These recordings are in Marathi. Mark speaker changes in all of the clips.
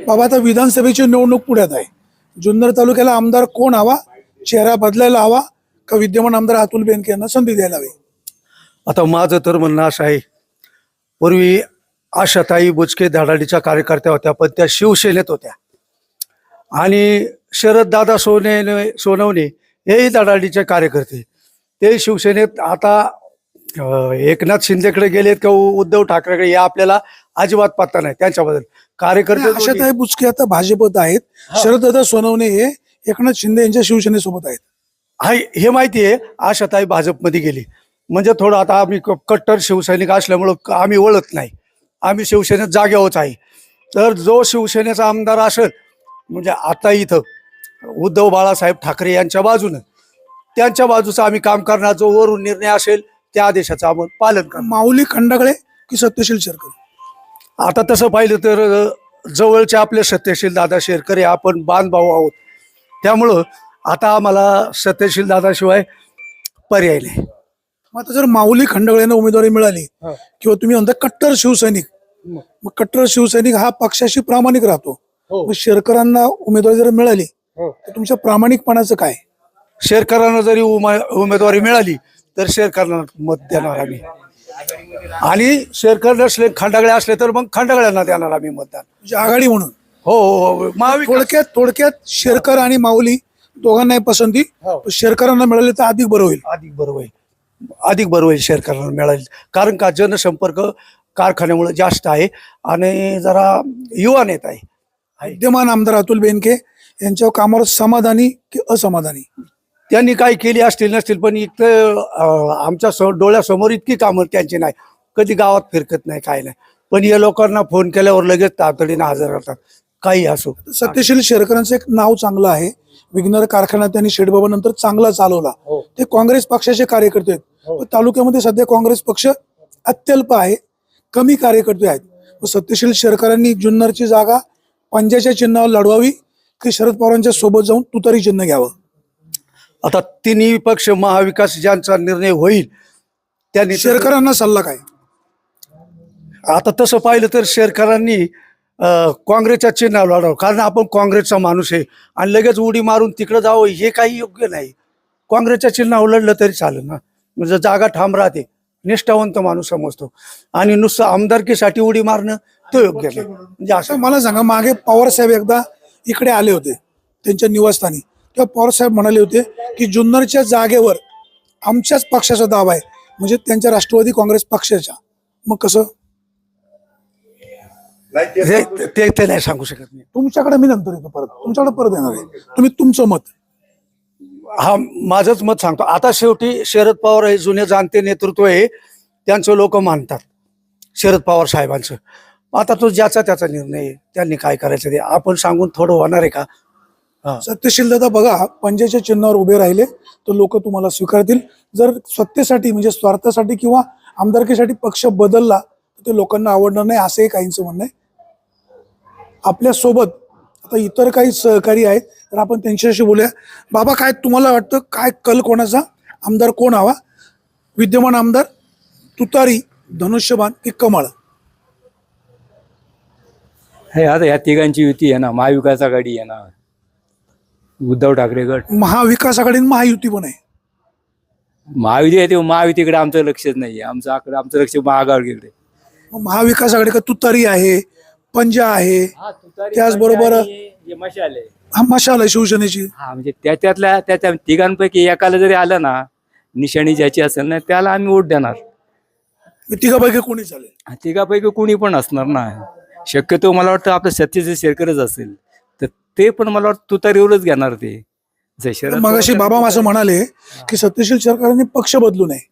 Speaker 1: बाबा आता विधानसभेची निवडणूक पुढ्यात आहे. जुन्नर तालुक्याला आमदार कोण हवा, चेहरा बदलायला हवा का विद्यमान आमदार अतुल बेनके यांना संधी द्यायला हवी?
Speaker 2: आता माझं तर म्हणणं असं आहे, पूर्वी आशाताई बुचके धडाडीच्या कार्यकर्त्या होत्या, पण त्या शिवसेनेत होत्या. आणि शरददादा सोनवणे हेही धडाडीचे कार्यकर्ते, ते शिवसेनेत. आता एकनाथ शिंदेकडे गेलेत का उद्धव ठाकरेकडे, हे आपल्याला अजिबात पत्ता नाही त्यांच्याबद्दल. कार्यकर्ते
Speaker 1: आशाताई बुचके आता भाजपत आहेत, शरददादा सोनवणे हे एकनाथ शिंदे यांच्या शिवसेनेसोबत आहेत.
Speaker 2: हे माहिती आहे. आशाताई भाजपमध्ये गेली म्हणजे थोडं, आता आम्ही कट्टर शिवसैनिक असल्यामुळं आम्ही ओळखत नाही, आम्ही शिवसेनेत जाग्यावरच आहे. तर जो शिवसेनेचा आमदार असेल, म्हणजे आता इथं उद्धव बाळासाहेब ठाकरे यांच्या बाजूनं, त्यांच्या बाजूचं आम्ही काम करणार. जो वरून निर्णय असेल त्या आदेशाचं आपण पालन करणार.
Speaker 1: माऊली खंडागळे की सत्यशील शेरकर?
Speaker 2: आता तसं पाहिलं तर जवळचे आपले सत्यशील दादा शेरकर आपण बांधभाऊ आहोत, त्यामुळं आता आम्हाला सत्यशील दादाशिवाय पर्याय नाही.
Speaker 1: मग आता जर माऊली खंडागळेंना उमेदवारी मिळाली किंवा तुम्ही म्हणता कट्टर शिवसैनिक, मग कट्टर शिवसैनिक हा पक्षाशी प्रामाणिक राहतो, मग शेरकरांना उमेदवारी जर मिळाली तर तुमच्या प्रामाणिकपणाचं काय?
Speaker 2: शेरकरांना जरी उमेदवारी मिळाली तर शेरकरांना मत देणार आम्ही. आणि शेरकर नसले, खंडागळे असले तर मग खंडागळ्यांना देणार आम्ही मतदान.
Speaker 1: म्हणजे आघाडी म्हणून?
Speaker 2: हो हो.
Speaker 1: थोडक्यात शेरकर आणि माऊली दोघांनाही पसंती, शेरकरांना मिळाले तर अधिक बरं होईल.
Speaker 2: अधिक बरं होईल शेरकरांना मिळाली, कारण का जनसंपर्क कारखान्यामुळे जास्त आहे आणि जरा युवा नेता आहे.
Speaker 1: विद्यमान आमदार अतुल बेनके यांच्या कामावर समाधानी की असमाधानी?
Speaker 2: त्यांनी काय केली असतील नसतील, पण इथं आमच्या डोळ्यासमोर इतकी कामं त्यांची नाही. कधी गावात फिरकत नाही, काय नाही, पण या लोकांना फोन केल्यावर लगेच तातडीने हजर राहतात, काही असो.
Speaker 1: सत्यशील शेरकरांचं एक नाव चांगलं आहे. विघ्नर कारखाना त्यांनी शेडबाबा नंतर चांगला चालवला. ते काँग्रेस पक्षाचे कार्यकर्ते आहेत, पण तालुक्यामध्ये सध्या काँग्रेस पक्ष अत्यल्प आहे, कमी कार्यकर्ते आहेत. सत्यशील शेरकरांनी जुन्नरची जागा पंजाच्या चिन्हावर लढवावी की शरद पवारांच्या सोबत जाऊन तुतारी चिन्ह घ्यावं?
Speaker 2: आता तिन्ही पक्ष महाविकास ज्यांचा निर्णय होईल त्यांनी.
Speaker 1: शेरकरांना सल्ला काय?
Speaker 2: आता तसं पाहिलं तर शेरकरांनी काँग्रेसच्या चिन्हावर लढावं, कारण आपण काँग्रेसचा माणूस आहे आणि लगेच उडी मारून तिकडं जावं हे काही योग्य नाही. काँग्रेसच्या चिन्हावर लढलं तरी चालेल ना, म्हणजे जागा ठाम राहते, निष्ठावंत माणूस समजतो. आणि नुसतं आमदारकीसाठी उडी मारणं तो योग्य नाही. म्हणजे
Speaker 1: असं मला सांगा, मागे पवार साहेब एकदा इकडे आले होते त्यांच्या निवासस्थानी, तेव्हा पवार साहेब म्हणाले होते की जुन्नरच्या जागेवर आमच्याच पक्षाचा दावा आहे, म्हणजे त्यांच्या राष्ट्रवादी काँग्रेस पक्षाच्या. मग कसं?
Speaker 2: ते नाही सांगू शकत मी.
Speaker 1: तुमच्याकडे मी नंतर येतो, तुमच्याकडे परत येणार आहे. तुम्ही तुमचं मत.
Speaker 2: हा, माझंच मत सांगतो. आता शेवटी शरद पवार हे जुने जाणते नेतृत्व आहे, त्यांचं लोक मानतात शरद पवार साहेबांचं. आता तो ज्याचा त्याचा निर्णय आहे, त्यांनी काय करायचं ते आपण सांगून थोडं होणार आहे का?
Speaker 1: सत्यशील दादा बघा, पंजाच्या चिन्हावर उभे राहिले तर लोक तुम्हाला स्वीकारतील. जर सत्तेसाठी म्हणजे स्वार्थासाठी किंवा आमदारकीसाठी पक्ष बदलला तर ते लोकांना आवडणार नाही, असंही काहींचं म्हणणं आहे. आपल्या सोबत आता इतर काही सहकारी आहेत, तर आपण त्यांच्याशी बोलूया. बाबा, काय तुम्हाला वाटतं, काय कल कोणाचा, आमदार कोण हवा? विद्यमान आमदार, तुतारी, धनुष्यबाण की कमळ?
Speaker 3: हे आता या तिघांची युती आहे ना, महाविकास आघाडी आहे ना, उद्धव ठाकरे गट.
Speaker 1: महाविकास आघाडी आणि महायुती पण आहे.
Speaker 3: महायुती आहे ते महायुतीकडे आमचं लक्षच नाही आहे, आमचं लक्ष महाआघाडीकडे.
Speaker 1: मग महाविकास आघाडी का तुतारी आहे, पंजा आहे, त्याचबरोबर हा मशाल आहे शिवसेनेची.
Speaker 3: हा, म्हणजे त्या तिघांपैकी एकाला जरी आलं ना, निशाणी ज्याची असेल ना त्याला आम्ही वोट देणार.
Speaker 1: तिघापैकी कोणी चालेल?
Speaker 3: तिघापैकी कोणी पण असणार ना. शक्यतो मला वाटतं आपलं सत्यशील शेरकरच असेल, तर ते पण मला वाटतं तुतारीवरच घेणार ते.
Speaker 1: मगाशी बाबा असं म्हणाले की सत्यशील शेरकरांनी पक्ष बदलू नये.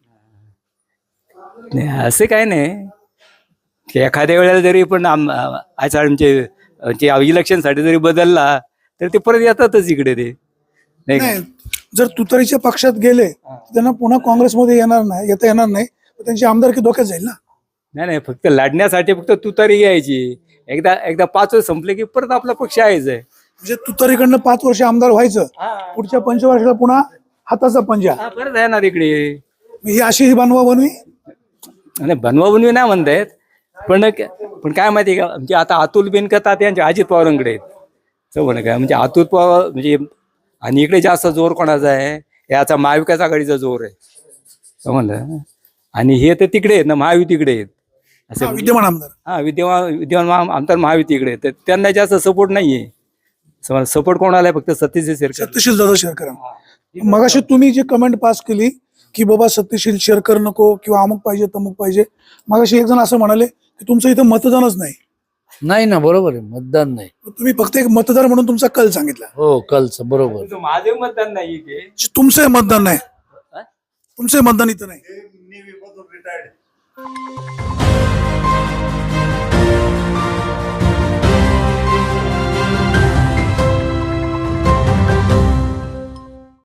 Speaker 3: असं काय नाही, की एखाद्या वेळेला जरी पण आमचे इलेक्शनसाठी जरी बदलला तर ते परत येतातच इकडे. ते
Speaker 1: नाही, जर तुतारीच्या पक्षात गेले त्यांना पुन्हा काँग्रेसमध्ये येता येणार नाही, त्यांची आमदारकी धोक्यात जाईल ना.
Speaker 3: नाही, फक्त लढण्यासाठी फक्त तुतारी घ्यायची. एकदा 5 वर्ष संपले की परत आपला पक्ष आहेच आहे.
Speaker 1: म्हणजे तुतारीकडनं 5 वर्ष आमदार व्हायचं, पुढच्या 5 वर्षाला पुन्हा हाताचा पंजा
Speaker 3: परत येणार इकडे.
Speaker 1: ही अशी ही बनवा बनवी
Speaker 3: बनवी नाही म्हणतायत, पण काय माहिती का म्हणजे आता अतुल बेनकता त्यांच्या अजित पवारांकडे आहेत समज काय म्हणजे अतुल पवार म्हणजे आणि इकडे जास्त जोर कोणाचा आहे याचा महाविकास आघाडीचा जोर आहे समजलं आणि हे तर तिकडे आहेत ना महायुतीकडे आहेत असं म्हणजे-
Speaker 1: विद्यमान आमदार
Speaker 3: हा विद्यमान आमदार महायुतीकडे आहेत. तर त्यांना जास्त सपोर्ट नाहीये समज सपोर्ट कोणाला आहे फक्त सतीश शेरकर
Speaker 1: सत्यशील दादा शेरकर. मगाशी तुम्ही जी कमेंट पास केली की बाबा सत्यशील शेरकर नको किंवा अमुक पाहिजे तमुक पाहिजे, मगाशी एक जण असं म्हणाले की तुमचं इथं मतदानच नाही.
Speaker 4: नाही ना, बरोबर आहे, मतदान नाही.
Speaker 1: तुम्ही फक्त एक मतदार म्हणून तुमचा कल सांगितला.
Speaker 4: हो, कलचं बरोबर.
Speaker 3: माझे मतदान नाही ते
Speaker 1: तुमचं मतदान नाही, तुमचं मतदान इथं नाही.